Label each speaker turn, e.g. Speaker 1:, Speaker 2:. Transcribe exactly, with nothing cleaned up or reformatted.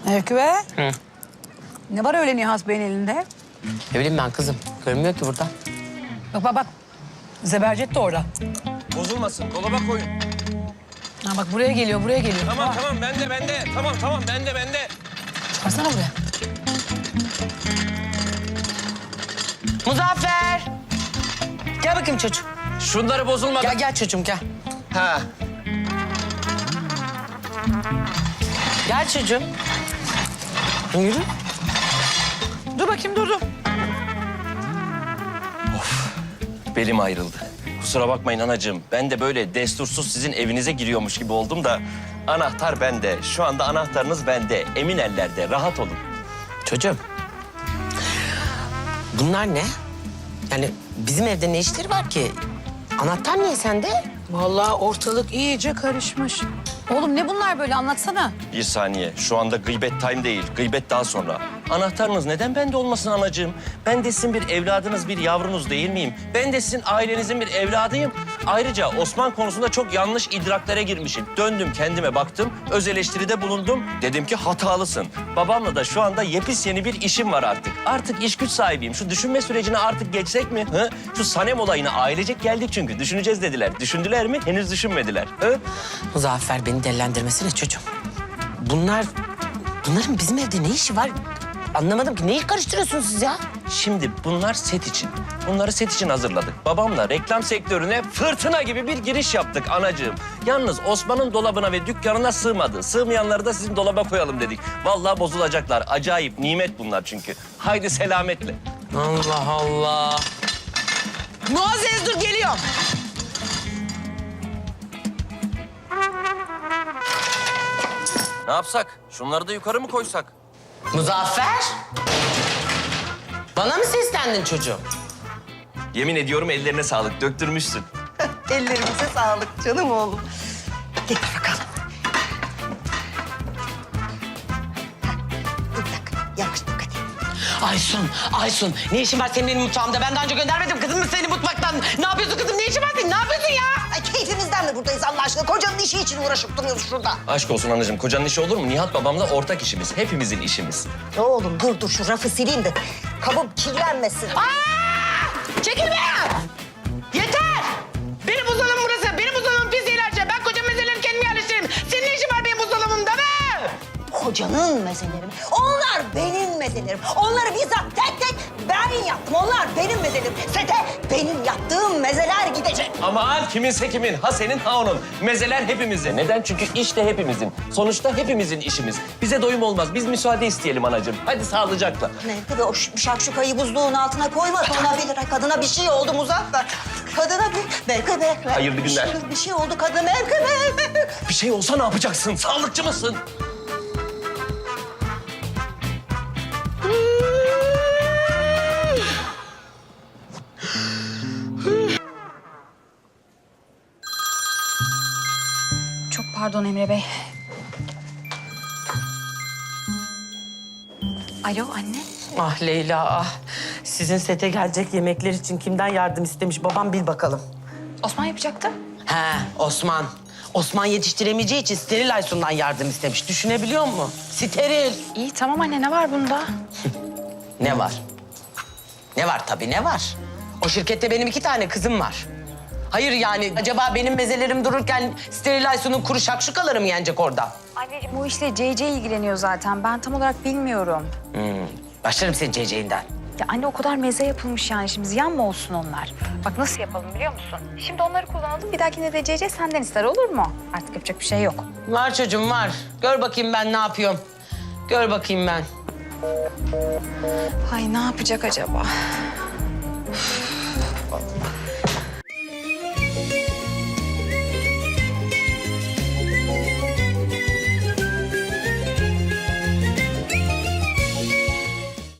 Speaker 1: Mevki be.
Speaker 2: Hı.
Speaker 1: Ne var öyle Nihat Bey'in elinde?
Speaker 2: Ne bileyim ben kızım. Görünmüyor ki burada.
Speaker 1: Bak bak bak. Zebercet de orada.
Speaker 3: Bozulmasın. Dolaba koyun.
Speaker 1: Ha bak buraya geliyor, buraya geliyor.
Speaker 3: Tamam
Speaker 1: Ha,
Speaker 3: tamam bende bende. Tamam tamam bende bende.
Speaker 1: çıkarsana buraya.
Speaker 2: Muzaffer! Gel bakayım çocuğum.
Speaker 3: Şunları bozulmadan.
Speaker 2: Gel gel çocuğum gel.
Speaker 3: Ha.
Speaker 2: Gel çocuğum. Yürü.
Speaker 1: Dur bakayım, dur dur.
Speaker 3: Belim ayrıldı. Kusura bakmayın anacığım. Ben de böyle destursuz sizin evinize giriyormuş gibi oldum da... ...anahtar bende. Şu anda anahtarınız bende. Emin ellerde. Rahat olun.
Speaker 2: Çocuğum. Bunlar ne? Yani bizim evde ne işleri var ki? Anahtar niye sende?
Speaker 1: Vallahi ortalık iyice karışmış. Oğlum ne bunlar böyle, anlatsana.
Speaker 3: Bir saniye. Şu anda gıybet time değil. Gıybet daha sonra. Anahtarınız neden bende olmasın anacığım? Ben de sizin bir evladınız, bir yavrunuz değil miyim? Ben de sizin ailenizin bir evladıyım. Ayrıca Osman konusunda çok yanlış idraklere girmişim. Döndüm kendime baktım, öz eleştiride bulundum. Dedim ki hatalısın. Babamla da şu anda yepis yeni bir işim var artık. Artık iş güç sahibiyim. Şu düşünme sürecine artık geçsek mi? Hı? Şu Sanem olayına ailecek geldik çünkü. Düşüneceğiz dediler. Düşündüler mi? Henüz düşünmediler. Hı?
Speaker 2: Muzaffer beni delilendirmesine çocuğum. Bunlar... Bunların bizim evde ne işi var? Anlamadım ki. Neyi karıştırıyorsunuz siz ya?
Speaker 3: Şimdi bunlar set için. Bunları set için hazırladık. Babamla reklam sektörüne fırtına gibi bir giriş yaptık anacığım. Yalnız Osman'ın dolabına ve dükkanına sığmadı. Sığmayanları da sizin dolaba koyalım dedik. Vallahi bozulacaklar. Acayip nimet bunlar çünkü. Haydi selametle.
Speaker 2: Allah Allah. Muazzez dur geliyorum.
Speaker 3: Ne yapsak? Şunları da yukarı mı koysak?
Speaker 2: Muzaffer. Bana mı seslendin çocuğum?
Speaker 3: Yemin ediyorum ellerine sağlık. Döktürmüşsün.
Speaker 4: Ellerimize sağlık canım oğlum. Getir bakalım. Bir dakika, yavaş dikkat et.
Speaker 2: Aysun, Aysun. Ne işin var senin benim mutfağımda? Ben daha önce göndermedim kızım seni mutfaktan. Ne yapıyorsun kızım? Ne işin var senin? Ne yapıyorsun ya?
Speaker 4: Ay keyfimizden mi buradayız Allah aşkına? Kocanın işi için uğraşıp duruyoruz şurada.
Speaker 3: Aşk olsun anacığım. Kocanın işi olur mu? Nihat babamla ortak işimiz. Hepimizin işimiz.
Speaker 4: Oğlum dur dur şu rafı sileyim de kabım kirlenmesin.
Speaker 2: Aa! Çekil be! Yeter! Benim buzdolabım burası. Benim buzdolabım pis ilerce. Ben kocam mezeleri kendim yerleştiririm. Senin ne işin var benim buzdolabımda be?
Speaker 4: Kocanın mezeleri mi? Onlar benim mezelerim. Onları bizzat tek tek ben yaptım. Onlar benim mezelerim. Sete benim yaptığım mezeler gidecek.
Speaker 3: Aman kiminse kimin, ha senin ha onun. Mezeler hepimizin. Neden? Çünkü iş de hepimizin. Sonuçta hepimizin işimiz. Bize doyum olmaz. Biz müsaade isteyelim anacığım. Hadi sağlıcakla.
Speaker 4: Mevki o ş- şakşukayı buzluğun altına koyma. Olabilir. Kadına bir şey oldu Muzaffer. Kadına bir... Mevki be.
Speaker 3: Hayırlı günler.
Speaker 4: Bir şey, bir şey oldu kadına Mevki be.
Speaker 3: Bir şey olsa ne yapacaksın? Sağlıkçı mısın?
Speaker 5: Çok pardon Emre Bey. Alo anne.
Speaker 2: Ah Leyla ah. Sizin sete gelecek yemekler için kimden yardım istemiş babam bil bakalım.
Speaker 5: Osman yapacaktı.
Speaker 2: He Osman. Osman yetiştiremeyeceği için steril Aysun'dan yardım istemiş. Düşünebiliyor musun? Steril.
Speaker 5: İyi tamam anne ne var bunda?
Speaker 2: Ne var? Ne var tabii ne var? O şirkette benim iki tane kızım var. Hayır yani acaba benim mezelerim dururken steril Aysun'un kuru şakşukaları mı yenecek orada?
Speaker 5: Anneciğim bu işle C C ilgileniyor zaten. Ben tam olarak bilmiyorum.
Speaker 2: Hmm. Başlarım senin ceceğinden.
Speaker 5: Ya anne o kadar meze yapılmış yani şimdi ziyan mı olsun onlar? Bak nasıl yapalım biliyor musun? Şimdi onları kullanalım bir dahakine de C C senden ister olur mu? Artık yapacak bir şey yok.
Speaker 2: Var çocuğum var. Gör bakayım ben ne yapıyorum. Gör bakayım ben.
Speaker 5: Ay ne yapacak acaba?